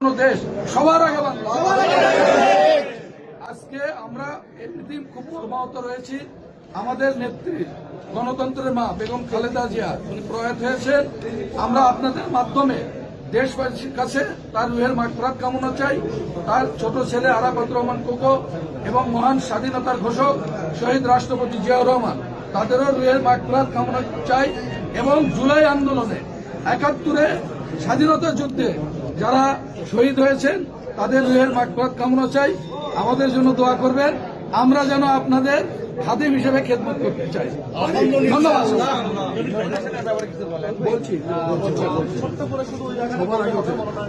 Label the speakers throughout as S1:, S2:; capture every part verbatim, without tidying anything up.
S1: দেশ সবার আগে আজকে আমরা এমনিতেই খুব মর্মাহত রয়েছি। আমাদের নেত্রী গণতন্ত্রের মা বেগম খালেদা জিয়া উনি প্রয়াত হয়েছেন। আমরা আপনাদের মাধ্যমে দেশবাসীর কাছে তার রুহের মাগফিরাত কামনা চাই। তার ছোট ছেলে আরাফাত রহমান কোকো এবং মহান স্বাধীনতার ঘোষক শহীদ রাষ্ট্রপতি জিয়াউর রহমান তাদেরও রুহের মাগফিরাত কামনা চাই। এবং জুলাই আন্দোলনে একাত্তরে স্বাধীনতা যুদ্ধে যারা শহীদ হয়েছেন তাদের রুহের মাগফিরাত কামনা চাই। আমাদের জন্য দোয়া করবেন, আমরা যেন আপনাদের খাদিম হিসেবে খেদমত করতে চাই। ধন্যবাদ। বলছি সবার আগে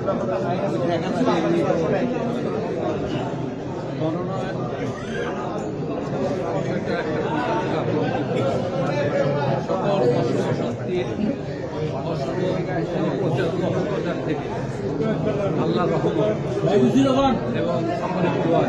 S2: অপপ্রচার থেকে আল্লাহ রহমান এবং সকলের দোয়া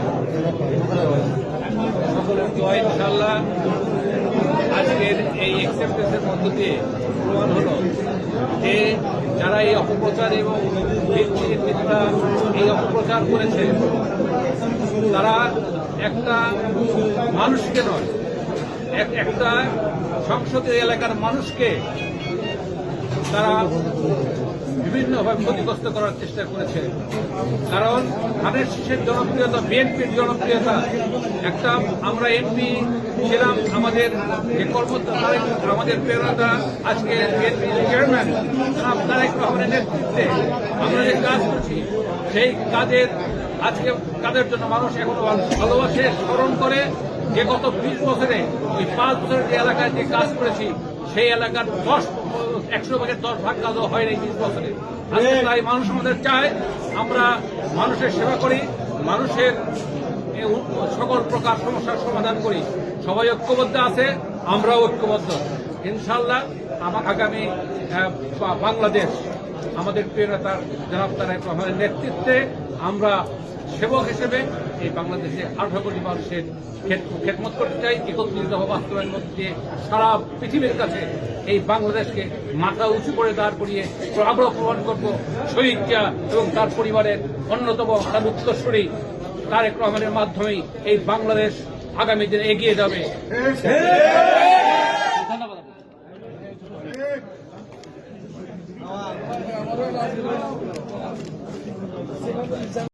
S2: সকলের দোয়া ইনশাআল্লাহ আজকের এই অ্যাকসেপ্টেন্সের মধ্য দিয়ে প্রমাণ হলো যে যারা এই অপপ্রচার এবং মিথ্যা এই অপপ্রচার করেছে তারা একটা মানুষকে নয়, একটা সংসদীয় এলাকার মানুষকে তারা বিভিন্নভাবে ক্ষতিগ্রস্ত করার চেষ্টা করেছে। কারণ ধানের শীষের জনপ্রিয়তা, বিএনপির জনপ্রিয়তা, একটা আমরা এমপি ছিলাম, আমাদের যে কর্মকর্তা আমাদের প্রেরণা আজকে বিএনপি চেয়ারম্যান তারেক রহমানের নেতৃত্বে আমরা যে কাজ করছি সেই কাজের আজকে কাজের জন্য মানুষ এখনো ভালোবাসে, স্মরণ করে যে গত বিশ বছরে ওই পাঁচ বছরের যে এলাকায় যে কাজ করেছি সেই এলাকার দশ একশো ভাগের দশ ভাগ কাজও হয় নাই বিশ বছরে। আজকে তাই মানুষ আমাদের চায় আমরা মানুষের সেবা করি, মানুষের সকল প্রকার সমস্যার সমাধান করি। সবাই ঐক্যবদ্ধ আছে, আমরাও ঐক্যবদ্ধ। ইনশাআল্লাহ আমার আগামী বাংলাদেশ আমাদের প্রিয় নেতা জনাব তারেক রহমানের নেতৃত্বে আমরা সেবক হিসেবে এই বাংলাদেশে আঠারো কোটি মানুষের খেদমত করতে চাই। একত্রিত বাস্তবায়নের মধ্যে সারা পৃথিবীর কাছে এই বাংলাদেশকে মাথা উঁচু করে দাঁড় করিয়ে আগ্রহ প্রমাণ করব শহীদ জিয়া এবং তার পরিবারের অন্যতম তার উত্তরসূরি তারেক রহমানের মাধ্যমেই এই বাংলাদেশ আগামী দিনে এগিয়ে যাবে। ধন্যবাদ।